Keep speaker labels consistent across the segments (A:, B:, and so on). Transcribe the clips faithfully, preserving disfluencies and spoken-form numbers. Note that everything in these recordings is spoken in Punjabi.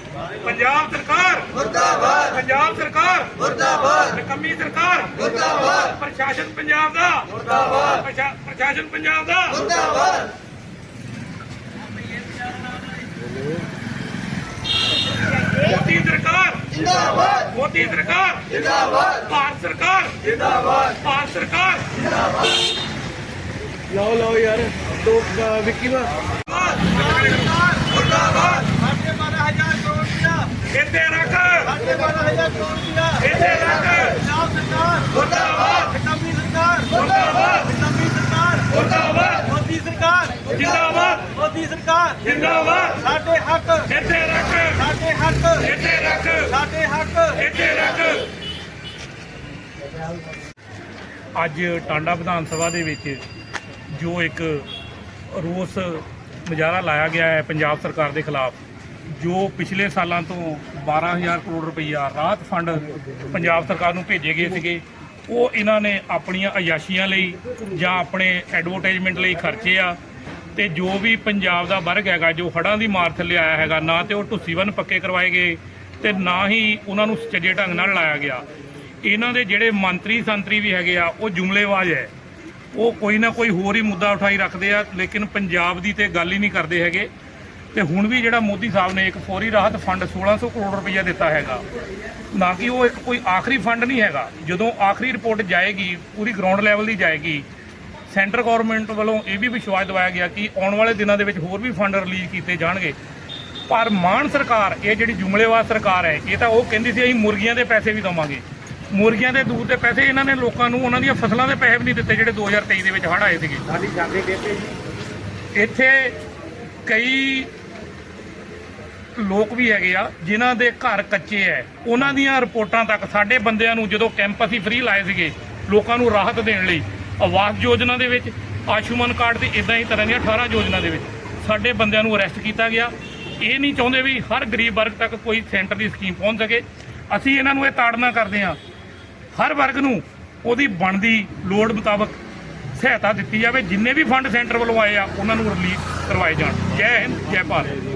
A: पंजाब सरकार मुर्दाबाद, पंजाब सरकार मुर्दाबाद, निकम्मी सरकार मुर्दाबाद, प्रशासन पंजाब दा मुर्दाबाद, प्रशासन पंजाब दा मुर्दाबाद। मोदी सरकार जिंदाबाद, मोदी सरकार जिंदाबाद, भारत सरकार जिंदाबाद, भारत सरकार जिंदाबाद।
B: लाओ लाओ यार दो विक्की वा
A: मुर्दाबाद,
B: साढ़े बारह हजार करोड़ दिया,
A: इत्थे रख,
B: साढ़े बारह हजार करोड़ दिया,
A: इत्थे रख,
B: पंजाब सरकार
A: मुर्दाबाद,
B: निकम्मी सरकार
A: मुर्दाबाद,
B: निकम्मी सरकार
A: मुर्दाबाद,
B: मोदी सरकार
A: जिंदाबाद,
B: मोदी सरकार
A: जिंदाबाद,
B: साढ़े हक
A: इत्थे रख,
B: साढ़े हक
A: इत्थे रख,
B: साढ़े हक
A: इत्थे रख। ਅੱਜ ਟਾਂਡਾ ਵਿਧਾਨ ਸਭਾ ਦੇ ਵਿੱਚ ਜੋ ਇੱਕ ਰੋਸ ਮੁਜ਼ਾਹਰਾ ਲਾਇਆ ਗਿਆ ਹੈ ਪੰਜਾਬ ਸਰਕਾਰ ਦੇ ਖਿਲਾਫ, ਜੋ ਪਿਛਲੇ ਸਾਲਾਂ ਤੋਂ ਬਾਰਾਂ ਹਜ਼ਾਰ ਕਰੋੜ ਰੁਪਈਆ ਰਾਹਤ ਫੰਡ ਪੰਜਾਬ ਸਰਕਾਰ ਨੂੰ ਭੇਜੇ ਗਏ ਸੀਗੇ, ਉਹ ਇਹਨਾਂ ਨੇ ਆਪਣੀਆਂ ਅਯਾਸ਼ੀਆਂ ਲਈ ਜਾਂ ਆਪਣੇ ਐਡਵਰਟਾਈਜ਼ਮੈਂਟ ਲਈ ਖਰਚੇ ਆ। ਤੇ ਜੋ ਵੀ ਪੰਜਾਬ ਦਾ ਵਰਗ ਹੈਗਾ ਜੋ ਹੜ੍ਹਾਂ ਦੀ ਮਾਰ ਥੱਲੇ ਆਇਆ ਹੈਗਾ, ਨਾ ਤੇ ਉਹ ਢੁੱਸੀਵਨ ਪੱਕੇ ਕਰਵਾਏ ਗਏ ਤੇ ਨਾ ਹੀ ਉਹਨਾਂ ਨੂੰ ਸੁਚੱਜੇ ਢੰਗ ਨਾਲ ਲਾਇਆ ਗਿਆ। ਇਹਨਾਂ ਦੇ ਜਿਹੜੇ ਮੰਤਰੀ ਸੰਤਰੀ ਵੀ ਹੈਗੇ ਆ ਉਹ ਜੁਮਲੇਬਾਜ਼ ਹੈ, ਉਹ ਕੋਈ ਨਾ ਕੋਈ ਹੋਰ ਹੀ ਮੁੱਦਾ ਉਠਾਈ ਰੱਖਦੇ ਆ, ਲੇਕਿਨ ਪੰਜਾਬ ਦੀ ਤੇ ਗੱਲ ਹੀ ਨਹੀਂ ਕਰਦੇ ਹੈਗੇ। ਤੇ ਹੁਣ ਵੀ ਜਿਹੜਾ ਮੋਦੀ ਸਾਹਿਬ ਨੇ ਇੱਕ ਫੌਰੀ ਰਾਹਤ ਫੰਡ ਸੋਲਾਂ ਸੌ ਕਰੋੜ ਰੁਪਈਆ ਦਿੱਤਾ ਹੈਗਾ, ਨਾ ਕਿ ਉਹ ਇੱਕ ਕੋਈ ਆਖਰੀ ਫੰਡ ਨਹੀਂ ਹੈਗਾ। ਜਦੋਂ ਆਖਰੀ ਰਿਪੋਰਟ ਜਾਏਗੀ ਪੂਰੀ ਗਰਾਊਂਡ ਲੈਵਲ ਦੀ ਜਾਏਗੀ, ਸੈਂਟਰ ਗੌਰਮੈਂਟ ਵੱਲੋਂ ਇਹ ਵੀ ਵਿਸ਼ਵਾਸ ਦਿਵਾਇਆ ਗਿਆ ਕਿ ਆਉਣ ਵਾਲੇ ਦਿਨਾਂ ਦੇ ਵਿੱਚ ਹੋਰ ਵੀ ਫੰਡ ਰਿਲੀਜ਼ ਕੀਤੇ ਜਾਣਗੇ। ਪਰ ਮਾਨ ਸਰਕਾਰ, ਇਹ ਜਿਹੜੀ ਜੁਮਲੇਬਾਜ਼ ਸਰਕਾਰ ਹੈ, ਇਹ ਤਾਂ ਉਹ ਕਹਿੰਦੀ ਸੀ ਅਸੀਂ ਮੁਰਗੀਆਂ ਦੇ ਪੈਸੇ ਵੀ ਦੇਵਾਂਗੇ। ਮੁਰਗੀਆਂ ਦੇ ਦੂਧ ਦੇ ਪੈਸੇ ਇਹਨਾਂ ਨੇ ਲੋਕਾਂ ਨੂੰ ਉਹਨਾਂ ਦੀਆਂ ਫਸਲਾਂ ਦੇ ਪੈਸੇ ਵੀ ਨਹੀਂ ਦਿੱਤੇ ਜਿਹੜੇ ਦੋ ਹਜ਼ਾਰ ਤੇਈ ਦੇ ਵਿੱਚ ਹੜ੍ਹ ਆਏ ਸੀਗੇ।
B: ਸਾਡੀ ਜਾਂਦੇ ਦਿੱਤੇ ਜੀ।
A: ਇੱਥੇ ਕਈ ਲੋਕ ਵੀ ਹੈਗੇ ਆ ਜਿਨ੍ਹਾਂ ਦੇ ਘਰ ਕੱਚੇ ਹੈ, ਉਹਨਾਂ ਦੀਆਂ ਰਿਪੋਰਟਾਂ ਤੱਕ ਸਾਡੇ ਬੰਦਿਆਂ ਨੂੰ ਜਦੋਂ ਕੈਂਪ ਅਸੀਂ ਫ੍ਰੀ ਲਾਏ ਸੀਗੇ ਲੋਕਾਂ ਨੂੰ ਰਾਹਤ ਦੇਣ ਲਈ, ਆਵਾਸ ਯੋਜਨਾ ਦੇ ਵਿੱਚ, ਆਯੁਸ਼ਮਾਨ ਕਾਰਡ ਤੇ ਇਦਾਂ ਹੀ ਤਰ੍ਹਾਂ ਦੀਆਂ ਅਠਾਰਾਂ ਯੋਜਨਾ ਦੇ ਵਿੱਚ ਸਾਡੇ ਬੰਦਿਆਂ ਨੂੰ ਅਰੈਸਟ ਕੀਤਾ ਗਿਆ। ਇਹ ਨਹੀਂ ਚਾਹੁੰਦੇ ਵੀ ਹਰ ਗਰੀਬ ਵਰਗ ਤੱਕ ਕੋਈ ਸੈਂਟਰ ਦੀ ਸਕੀਮ ਪਹੁੰਚ ਸਕੇ। ਅਸੀਂ ਇਹਨਾਂ ਨੂੰ ਇਹ ਤਾੜਨਾ ਕਰਦੇ ਹਾਂ, ਹਰ ਵਰਗ ਨੂੰ ਉਹਦੀ ਬਣਦੀ ਲੋੜ ਮੁਤਾਬਕ ਸਹਾਇਤਾ ਦਿੱਤੀ ਜਾਵੇ। ਜਿੰਨੇ ਵੀ ਫੰਡ ਸੈਂਟਰ ਵੱਲੋਂ ਆਏ ਆ ਉਹਨਾਂ ਨੂੰ ਰਿਲੀਜ਼ ਕਰਵਾਏ ਜਾਣ। ਜੈ ਹਿੰਦ, ਜੈ ਭਾਰਤ।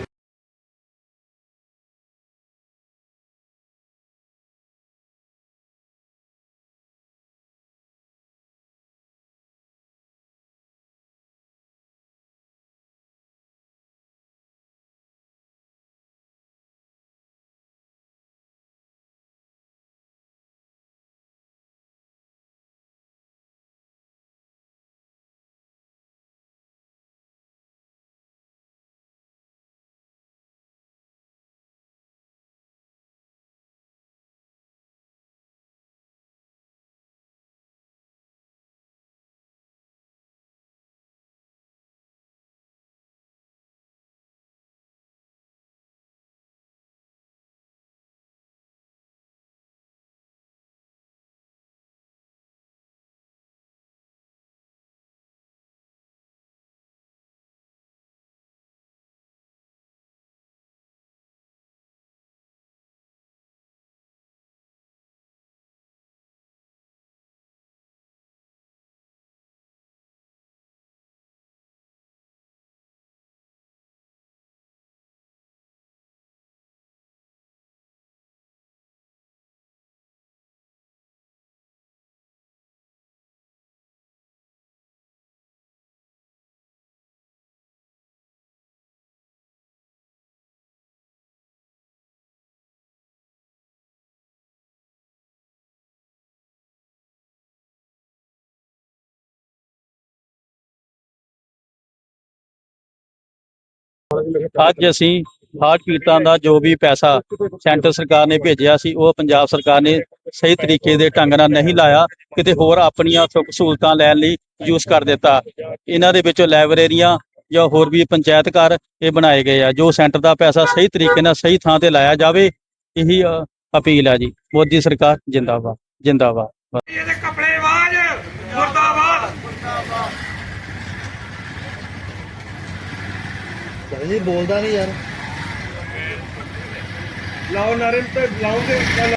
C: ਅੱਜ ਅਸੀਂ ਹੜ੍ਹ ਪੀੜਤਾਂ ਦਾ ਜੋ ਵੀ ਪੈਸਾ ਸੈਂਟਰ ਸਰਕਾਰ ਨੇ ਭੇਜਿਆ ਸੀ, ਉਹ ਪੰਜਾਬ ਸਰਕਾਰ ਨੇ ਸਹੀ ਤਰੀਕੇ ਦੇ ਢੰਗ ਨਾਲ ਨਹੀਂ ਲਾਇਆ, ਕਿਤੇ ਹੋਰ ਆਪਣੀਆਂ ਸੁੱਖ ਸਹੂਲਤਾਂ ਲੈਣ ਲਈ ਯੂਜ਼ ਕਰ ਦਿੱਤਾ। ਇਹਨਾਂ ਦੇ ਵਿੱਚੋਂ ਲਾਇਬ੍ਰੇਰੀਆਂ ਜਾਂ ਹੋਰ ਵੀ ਪੰਚਾਇਤ ਘਰ ਇਹ ਬਣਾਏ ਗਏ ਆ। ਜੋ ਸੈਂਟਰ ਦਾ ਪੈਸਾ ਸਹੀ ਤਰੀਕੇ ਨਾਲ ਸਹੀ ਥਾਂ ਤੇ ਲਾਇਆ ਜਾਵੇ, ਇਹੀ ਅਪੀਲ ਆ ਜੀ। ਮੋਦੀ ਸਰਕਾਰ ਜਿੰਦਾਬਾਦ, ਜਿੰਦਾਬਾਦ।
A: ਇਹਦੇ ਕਪੜੇਬਾਜ਼ ਮੁਰਦਾਬਾਦ।
B: ਜੀ ਬੋਲਦਾ ਨਹੀਂ ਯਾਰ।
D: ਲਾਓ ਨਾਰੇ ਤੇ ਲਾਉਂਗੇ।